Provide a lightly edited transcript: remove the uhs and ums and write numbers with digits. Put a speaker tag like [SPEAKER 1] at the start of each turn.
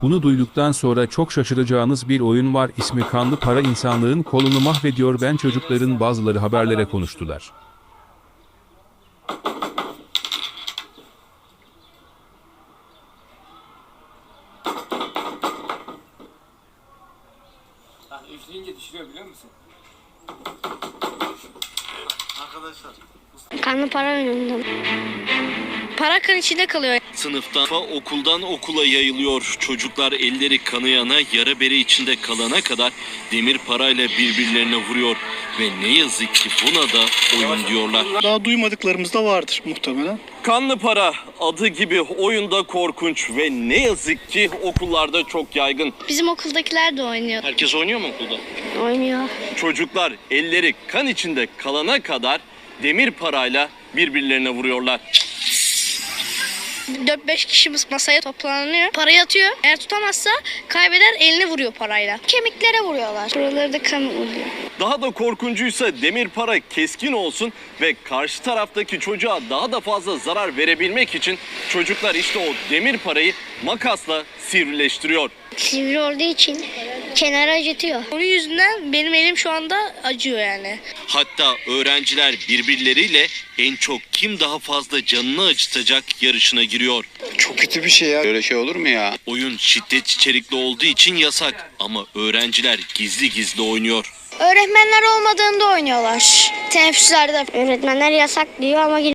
[SPEAKER 1] Bunu duyduktan sonra çok şaşıracağınız bir oyun var. İsmi Kanlı Para, insanlığın kolunu mahvediyor. Ben çocukların bazıları haberlere konuştular.
[SPEAKER 2] Üfleyince düşürüyor biliyor musun? Arkadaşlar.
[SPEAKER 3] Kanlı para oyunundan. Para kan içinde kalıyor.
[SPEAKER 4] Sınıftan, okuldan okula yayılıyor. Çocuklar elleri kanayana, yara bere içinde kalana kadar demir parayla birbirlerine vuruyor. Ve ne yazık ki buna da oyun diyorlar.
[SPEAKER 5] Daha duymadıklarımız da vardır muhtemelen.
[SPEAKER 4] Kanlı para adı gibi oyunda korkunç ve ne yazık ki okullarda çok yaygın.
[SPEAKER 3] Bizim okuldakiler de oynuyor.
[SPEAKER 4] Herkes oynuyor mu okulda?
[SPEAKER 3] Oynuyor.
[SPEAKER 4] Çocuklar elleri kan içinde kalana kadar demir parayla birbirlerine vuruyorlar.
[SPEAKER 3] 4-5 kişimiz masaya toplanıyor. Parayı atıyor. Eğer tutamazsa kaybeder, eline vuruyor parayla. Kemiklere vuruyorlar. Buraları da kan oluyor.
[SPEAKER 4] Daha da korkuncuysa demir para keskin olsun ve karşı taraftaki çocuğa daha da fazla zarar verebilmek için çocuklar işte o demir parayı makasla sivrileştiriyor.
[SPEAKER 3] Sivri olduğu için kenara acıtıyor. Onun yüzünden benim elim şu anda acıyor yani.
[SPEAKER 4] Hatta öğrenciler birbirleriyle en çok kim daha fazla canını acıtacak yarışına giriyor.
[SPEAKER 5] Çok kötü bir şey ya. Böyle şey olur mu ya?
[SPEAKER 4] Oyun şiddet içerikli olduğu için yasak ama öğrenciler gizli gizli oynuyor.
[SPEAKER 3] Öğretmenler olmadığında oynuyorlar. Teneffüslerde. Öğretmenler yasak diyor ama